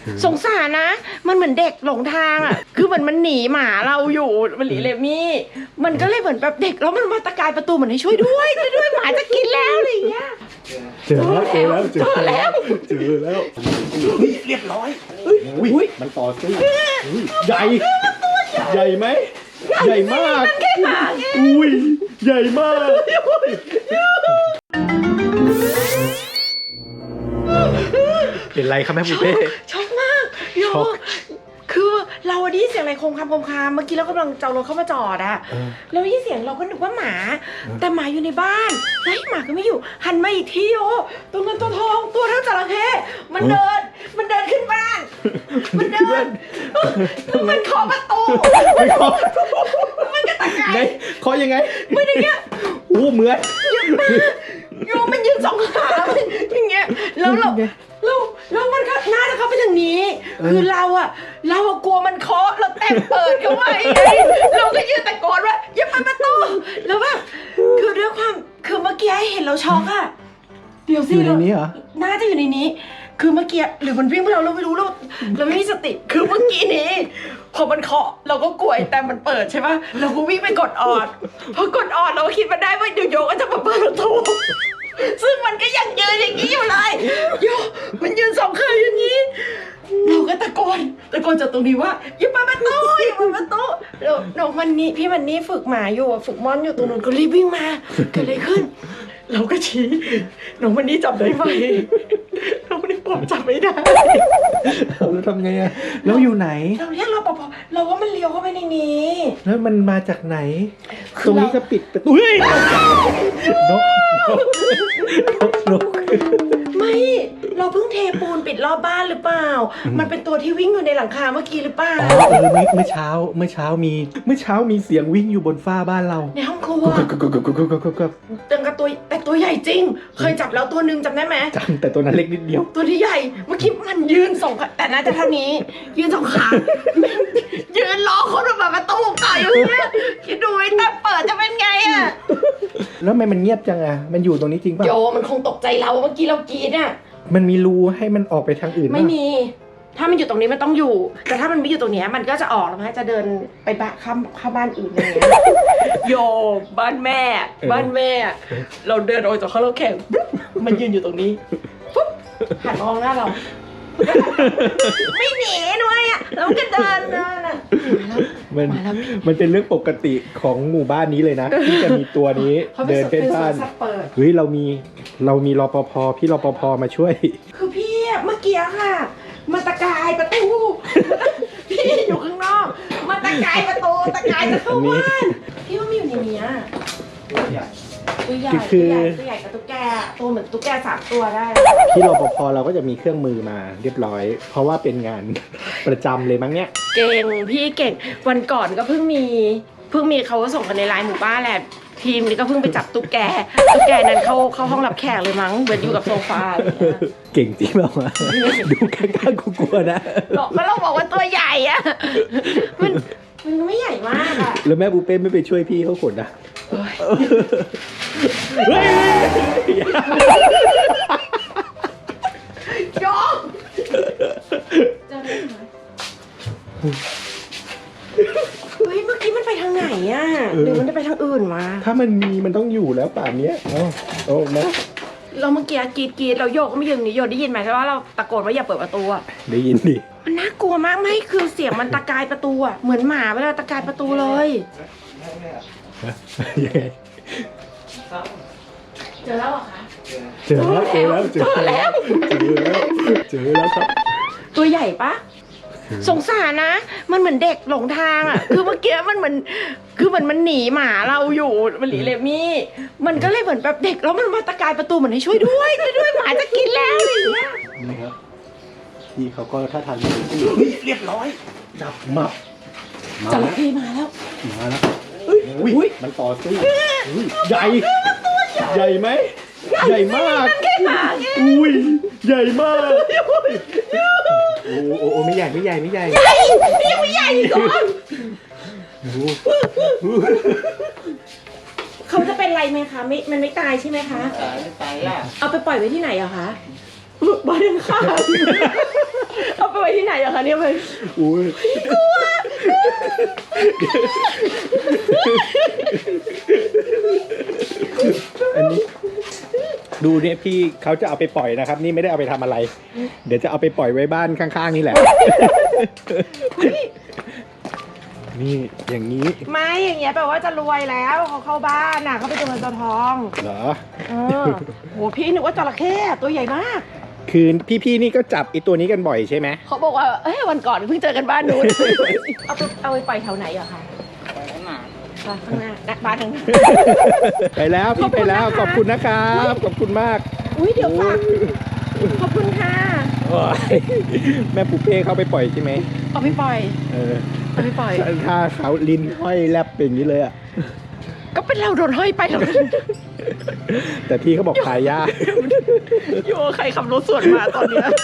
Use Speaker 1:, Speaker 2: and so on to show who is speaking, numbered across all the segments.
Speaker 1: สงสารนะมันเหมือนเด็กหลงทางอ่ะคือมันหนีหมาเราอยู่มันหนีเลมี่มันก็เลยเหมือนแบบเด็กแล้วมันมาตะกายประตูเหมือนให้ช่วยด้วยหมาจะกินแล้วอะไรอย่างเงี้ย
Speaker 2: เจอแล้วเรียบร้อยอุ้ยมันต่อสู้ใหญ่ไหมใหญ่มากอุ้ยใหญ่มากเป็นไรครับแม่บุฟเฟ่
Speaker 1: ช็อกมากโยคือเราได้ยินเสียงอะไรโคมคามเมื่อกี้เรากำลังจะรถเข้ามาจอดอะเราได้ยินเสียงเราก็นึกว่าหมาแต่หมาอยู่ในบ้านแล้วหมาก็ไม่อยู่หันมาอีกทีโอ้ตัวเงินตัวทองตัวเท่าจระเข้มันเดินขึ้นบ้านมันเดินมันเคาะประตูมันก็ตะกาย
Speaker 2: เคาะยังไง
Speaker 1: ไม่ได้เงี้ย
Speaker 2: โอ้เหมือน
Speaker 1: โยมันยืนสองขาอย่างเงี้ยแล้วมันก็น่าจะเข้าไปทางนี้คือเรากลัวมันเคาะเราแต่เปิดเข้าไปเราก็ยืนตะโกนว่าอย่าเปิดประตูแล้วแบบคือด้วยความคือเมื่อกี้เห็นเราช็อกอะเดี๋ยวสิ
Speaker 2: อยู่ในนี้เหรอ
Speaker 1: น่าจะอยู่ในนี้คือเมื่อกี้หรือมันวิ่งไปเราไม่รู้เราไม่มีสติคือเมื่อกี้นี้พอมันเคาะเราก็กลัวแต่มันเปิดใช่ปะเราก็วิ่งไปกดออดพอกดออดเราคิดมาได้ว่าเดี๋ยวโยก็จะมาเปิดประตูซึ่งมันก็ยังยืนอย่างนี้อยู่เลยโยมันยืนสองขาอย่างนี้เราก็ตะโกนจากตรงนี้ว่าอย่าเปิดประตูแล้วน้องมันนี่พี่มันนี่ฝึกหมาอยู่ฝึกม่อนอยู่ตรงนู้นก็รีบวิ่งมาเกิดอะไรขึ้นเราก็ชี้น้องมันนี่จับได้ไหมน้องมันนี่ผมจับไม่ได้
Speaker 2: เราทำไงอะแล้วอยู่ไหน
Speaker 1: เราเรียกรปภเราว่ามันเลี้ยวเข้าไปในนี้
Speaker 2: แล้วมันมาจากไหนตรงนี้ก็ปิดประตูเฮ้ยนก
Speaker 1: ไม่เราเพิ่งเทปูนปิดรอบบ้านหรือเปล่ามันเป็นตัวที่วิ่งอยู่ในหลังคาเมื่อกี้หรือเปล่า
Speaker 2: เมื่อเช้ามีเสียงวิ่งอยู่บนฝ้าบ้านเรา
Speaker 1: ในห้องครัวแต่ตัวใหญ่จริงเคยจับแล้วตัวนึงจำได้ไหม
Speaker 2: จำแต่ตัวนั้นเล็กนิดเดียว
Speaker 1: ตัวที่ใหญ่เมื่อกี้มันยืน2ขาแต่น่าจะเท่านี้ยืน2ขายืนรอคนมาประตูไก่อย่างเงี้ยคิดดูไอ้แต่เปิดจะเป็นไงอะ
Speaker 2: แล้วทำไมมันเงียบจังอะมันอยู่ตรงนี้จริงป่ะ
Speaker 1: โยมันคงตกใจเราเมื่อกี้เรากรีดอะ
Speaker 2: มันมีรูให้มันออกไปทางอื่น
Speaker 1: ไม่มีถ้ามันอยู่ตรงนี้มันต้องอยู่แต่ถ้ามันไม่อยู่ตรงนี้มันก็จะออกแล้วมันจะเดินไปเข้าบ้านอื่นอะไรเงี้ยโยบ้านแม่เราเดินออกจากข้างรถแข่งมันยืนอยู่ตรงนี้ปุ๊บหันมองหน้าเราไม่หนีด้วยอ่ะแล้วก็เดินอ่ะ
Speaker 2: มันเป็นเรื่องปกติของหมู่บ้านนี้เลยนะที่จะมีตัวนี้เดินเป็นบ้านเฮ้ยเรามีรปภพี่รปภมาช่วย
Speaker 1: คือพี่เมื่อกี้ค่ะมาตะกายประตูพี่อยู่ข้างนอกมาตะกายประตูตะกายจะเข้าบ้านพี่ว่ามีอยู่ในนี้ตัวใหญ่กับตุ๊กแกตัวเหมือนตุ๊กแก3 ตัวได้
Speaker 2: พี่รปภเราก็จะมีเครื่องมือมาเรียบร้อยเพราะว่าเป็นงานประจำเลยมั้งเนี่ย
Speaker 1: เก่งพี่เก่งวันก่อนก็เพิ่งมีเขาส่งกันในไลน์หมู่บ้านแหละทีมนี้ก็เพิ่งไปจับตุ๊กแกนั้นเข้าห้องรับแขกเลยมั้งเหมือนอยู่กับโซฟา
Speaker 2: เก่งจริงเปล่าวะดูกล้าๆกลัวๆนะ
Speaker 1: เราบอกว่าตัวใหญ่อะมันไม่ใหญ่มากอะ
Speaker 2: แล้วแม่บูเป้ไม่ไปช่วยพี่เขาขนนะ
Speaker 1: ยอมจะได้ไหมเฮ้ยเมื่อกี้มันไปทางไหนอ่ะหรือมันจะไปทางอื่นมา
Speaker 2: ถ้ามันต้องอยู่แล้วป่านนี้โอ้นะ
Speaker 1: เราเมื่อกี้กรีดเราโยกก็ไม่ยืนนี่โยได้ยินไหมว่าเราตะโกนว่าอย่าเปิดประตูอ่ะ
Speaker 2: ได้ยินดิ
Speaker 1: มันน่ากลัวมากไม่คือเสียงมันตะกายประตูอ่ะเหมือนหมาเวลาตะกายประตูเลย
Speaker 2: ยังไง
Speaker 1: เจอแล้วเหรอคะ
Speaker 2: เจอแล้วครับ
Speaker 1: ตัวใหญ่ปะสงสารนะมันเหมือนเด็กหลงทางอ่ะคือเมื่อกี้มันเหมือนมันหนีหมาเราอยู่มันหนีเลมี่มันก็เลยเหมือนแบบเด็กแล้วมันมาตะกายประตูเหมือนให้ช่วยด้วยหมาจะกินแล้วอะไรอย่างเงี้ย
Speaker 2: นี่ครับพี่เขาก็ท่าทางเรียบร้อยจับมับ
Speaker 1: จระเข้มาแล้ว
Speaker 2: อุ้ยมันต่อสู้ใหญ่ไหมใหญ่มากอุ้ยใหญ่มากโอ้ไม่ใหญ่
Speaker 1: ยังไม่ใหญ่ก่อนเขาจะเป็นไรไหมคะมันไม่ตายใช่ไหมคะ
Speaker 3: ไม่ตายอ่ะ
Speaker 1: เอาไปปล่อยไว้ที่ไหนอะคะบ้านข้างเอาไปไว้ที่อะคะเนี่ยมัน
Speaker 2: อุ้ยอันนี้ดูเนี่ยพี่เขาจะเอาไปปล่อยนะครับ นี่ไม่ได้เอาไปทำอะไร เดี๋ยวจะเอาไปปล่อยไว้บ้านข้างๆนี่แหละ นี่อย่างนี้
Speaker 1: ไม่อย่างเงี้ยแปลว่าจะรวยแล้วเขาเข้าบ้านน่ะเขาไปตัวเงินตัวทอง
Speaker 2: เหรอ
Speaker 1: โหพี่นึกว่าจระเข้ตัวใหญ่มาก
Speaker 2: คือพี่ๆนี่ก็จับไอตัวนี้กันบ่อยใช่ไหม
Speaker 1: เขาบอกว่าเอ้ยวันก่อนเพิ่งเจอกันบ้านนู้น เอาไปปล่อยแถวไหนอะคะข้างหน้าบ้านข้างหน้า
Speaker 2: ไปแล้วพี่ไปแล้วขอบคุณนะครับขอบคุณมาก
Speaker 1: อุ้ยเดี๋ยวฝากขอบคุณค่ะ
Speaker 2: โอ้ยแม่ปูเป้เขาไปปล่อยใช่ไหม
Speaker 1: เอาไปปล่อย เอาไปปล่อย
Speaker 2: ถ้าเขาลิ้นห้อยแลบเป็นอย่างนี้เลยอ่ะ
Speaker 1: ก็เป็นเราโดนห้อยไปหรอก
Speaker 2: แต่พี่เขาบอกขายยาก
Speaker 1: โยใครขับรถสวนมาตอนเนี้ย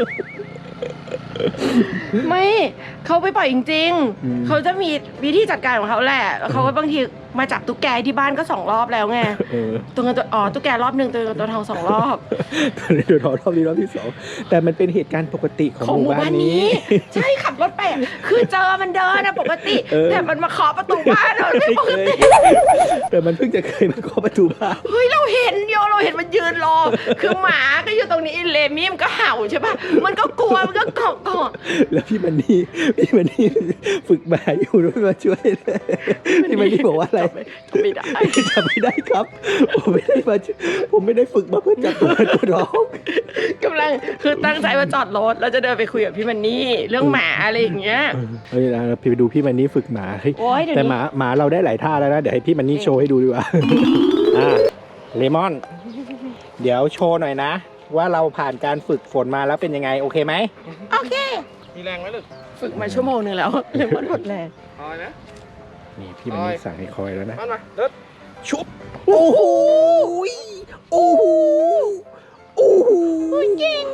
Speaker 1: ไม่เขาไปปล่อยจริงๆ เขาจะมีวิธีจัดการของเขาแหละเขาก็บางทีมาจับตุ๊กแกที่บ้านก็2 รอบแล้วไงตัวเงินตัวตุ๊กแกรอบหนึ่งตัวเงินตัวทอง2 รอบ
Speaker 2: ตัวนี้รอบนี้รอบที่ 2แต่มันเป็นเหตุการณ์ปกติของหมู่บ้านนี้
Speaker 1: ใช่ขับรถไปคือเจอมันเดินนะปกติแต่มันมาเคาะประตูบ้านเราไม่ปกติ
Speaker 2: แต่มันเพิ่งจะเคยมาเคาะประตูบ้าน
Speaker 1: เฮ้ยเราเห็นมันยืนรอคือหมาก็อยู่ตรงนี้เลมี่มันก็เห่าใช่ป่ะมันก็กลัวมันก็เกาะ
Speaker 2: แล้วพี่มันนี่ฝึกมาอยู่ด้วยมาช่วยเลยพี่มันนี่บอกว่าอะไร
Speaker 1: ไม่ได้
Speaker 2: จับไม่ได้ครับผมไม่ได้ฝึกมาเพื่อจับตัวร้อง
Speaker 1: กำลังคือตั้งใจว่าจอดรถแล้วจะเดินไปคุยกับพี่มันนี่เรื่องหมาอะไรอย่างเงี้ย
Speaker 2: เฮ้ยนะพี่ไปดูพี่มันนี่ฝึกหมาเฮ้ย
Speaker 1: โอ๊ยเดี๋ยวนี้
Speaker 2: แต่หมาเราได้หลายท่าแล้วนะเดี๋ยวให้พี่มันนี่โชว์ให้ดูดีกว่าเลมอน เดี๋ยวโชว์หน่อยนะ ว่าเราผ่านการฝึกฝนมาแล้วเป็นยังไงโอเคไหม
Speaker 1: โอเค
Speaker 3: มีแรงไหมลูก
Speaker 1: ฝึกมาชั่วโมงนึงแล้วเลยมันหมดแรง
Speaker 3: คอยนะ
Speaker 2: นี่พี่มันนี่สั่งให้คอยแล้วนะ
Speaker 3: มาเดิน
Speaker 2: ชุบโอ้โหโอ้โหโอ้โหเก่ง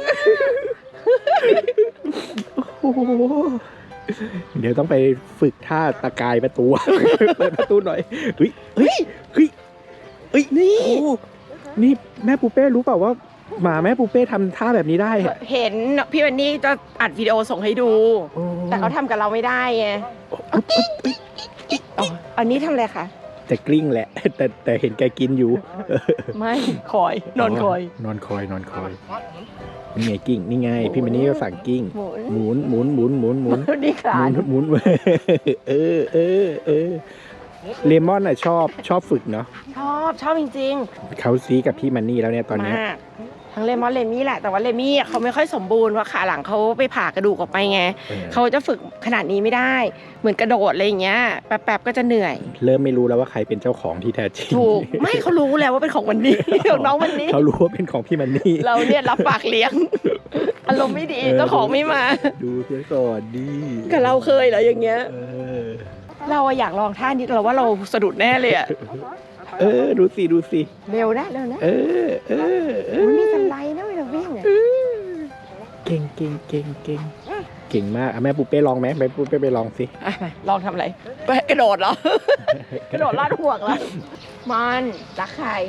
Speaker 2: โอ้โหเดี๋ยวต้องไปฝึกท่าตะกายประตู เปิดประตูหน่อยเฮ้ยนี่นี่แม่ปูเป้รู้เปล่าว่าหมาแม่ปูเป้ทำท่าแบบนี้ได้
Speaker 1: เห็นพี่มันนี่จะอัดวิดีโอส่งให้ดู แต่เขาทำกับเราไม่ได้ไงอันนี้ทำอะไรคะ
Speaker 2: แต่กลิ้งแหละ แต่เห็นแกกินอยู่
Speaker 1: ไม่คอยนอนคอย
Speaker 2: นอนคอยนี่ไงกิ้งนี่ไงพี่มันนี่ก็สั่งกิ้งหมุน
Speaker 1: ดีขา
Speaker 2: หมุนเออเลมอนอ่ะชอบฝึกเนาะ
Speaker 1: ชอบจริง
Speaker 2: เขาซีกับพี่มันนี่แล้วเนี่ยตอน
Speaker 1: ๆ
Speaker 2: เนี้ย
Speaker 1: มากทั้งเลมอนเลมี่แหละแต่ว่าเลมี่เขาไม่ค่อยสมบูรณ์เพราะขาหลังเขาไปผ่ากระดูกออกไปไงเขาจะฝึกขนาดนี้ไม่ได้เหมือนกระโดดอะไรอย่างเงี้ยแป๊บๆก็จะเหนื่อย
Speaker 2: เริ่มไม่รู้แล้วว่าใครเป็นเจ้าของที่แท้จริง
Speaker 1: ถูกไม่เขารู้แล้วว่าเป็นของวันนี้ ของน้องวันนี้
Speaker 2: เขารู้ว่าเป็นของพี่มันนี่
Speaker 1: เราเนี่ยรับปากเลี้ยง อารมณ์ไม่ดีเจ้าของไม่มา
Speaker 2: ดูเสียก่อนดี
Speaker 1: กับเราเคยเหรออย่างเงี้ย เราอะอยากลองท่านี้เราว่าเราสะดุดแน่เลยอะ
Speaker 2: ดูสิ
Speaker 1: เร็วนะมันมีสไลด์นะเวลาวิ่งอะ
Speaker 2: เก่งมากแม่ปูเป้ลองไหมแม่ปูเป้ไปลองสิ
Speaker 1: อ่ะไปลองทำอะไรไปกระโดดเหรอ กระโดดลาดห่วงแล้วมันรักใคร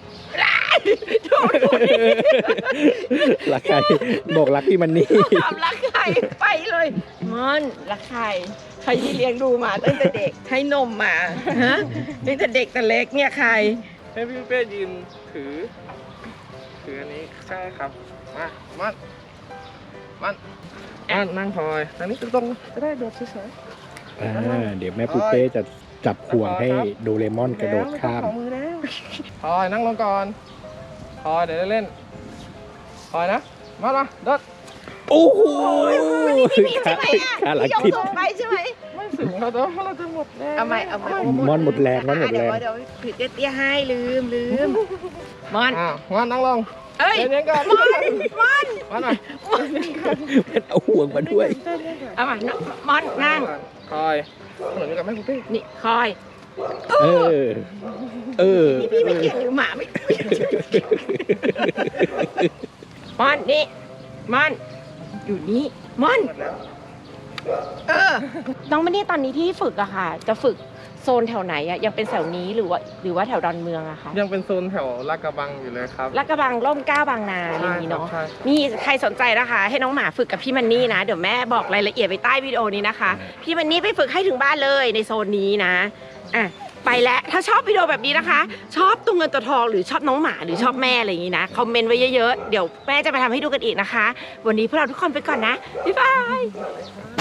Speaker 2: รักใครบอกรักพี่มันนี่
Speaker 1: ถามรักใครไปเลยมันรักใครใครที่เลี้ยงดูมาตั้งแต่เด็กให้นมมาฮะตั้งแต่เด็กแต่เล็กเนี่ยใคร
Speaker 3: ให้พี่เป้ยืนถืออันนี้ใช่ครับมันนั่งคอยทางนี้ตรงๆจะได้โดดเฉย
Speaker 2: เดี๋ยวแม่ปูเป้จะจับห่วงให้โดเรมอนกระโดดข้าม
Speaker 1: ของมือแล้ว
Speaker 3: ๆคอยนั่งลงก่อนคอยเดี๋ยวได้เล่นคอยนะมาเดิน
Speaker 2: โอ้โห
Speaker 1: ใช่ไหมอ่ะ
Speaker 2: ขาหลัง
Speaker 1: ยก
Speaker 2: ทิศ
Speaker 1: ส่งไปใช่ไหม
Speaker 3: ไม่ถึงเราจะหมดแรง
Speaker 1: เอาไหม
Speaker 2: มอนหมดแรงมอนหมดแรง
Speaker 1: เดี๋ยวผิดเตี้ยให้ลืมมอน
Speaker 3: มันนั่งลง
Speaker 1: เอ้ย
Speaker 3: เย็นๆก่อนมันหน่อย
Speaker 2: มันเอาห่วงมาด้วย
Speaker 1: เอามามอนนั่ง
Speaker 3: คอยเหมือนกับแม่ปุ๊เป้
Speaker 1: นี่คอย
Speaker 2: นี่
Speaker 1: พี่ไม่เกี่ยงหรือหมาไม่มอนนี่มอนอยู่นี่มอนน้องมันนี่ตอนนี้ที่ฝึกอะค่ะจะฝึกโซนแถวไหนอะยังเป็นแถวนี้หรือว่าแถวดอนเมืองอะคะ
Speaker 3: ยังเป็นโซนแถวลาดกระบังอยู่เลยครับ
Speaker 1: ลาดกระบังร่มเกล้าบางนาอย่างนี้เนาะ
Speaker 3: ใช่
Speaker 1: นี่ใครสนใจนะคะ ให้น้องหมาฝึกกับพี่มันนี่นะเดี๋ยวแม่บอกรายละเอียดไปใต้วิดีโอนี้นะคะพี่มันนี่ไปฝึกให้ถึงบ้านเลยในโซนนี้นะอ่ะไปแล้วถ้าชอบวิดีโอแบบนี้นะคะ ชอบตัวเงินตัวทองหรือชอบน้องหมาหรือชอบแม่อะไรอย่างนี้นะคอมเมนต์ไว้เยอะๆเดี๋ยวแม่จะไปทำให้ดูกันอีกนะคะ วันนี้พวกเราทุกคนไปก่อนนะบ๊ายบาย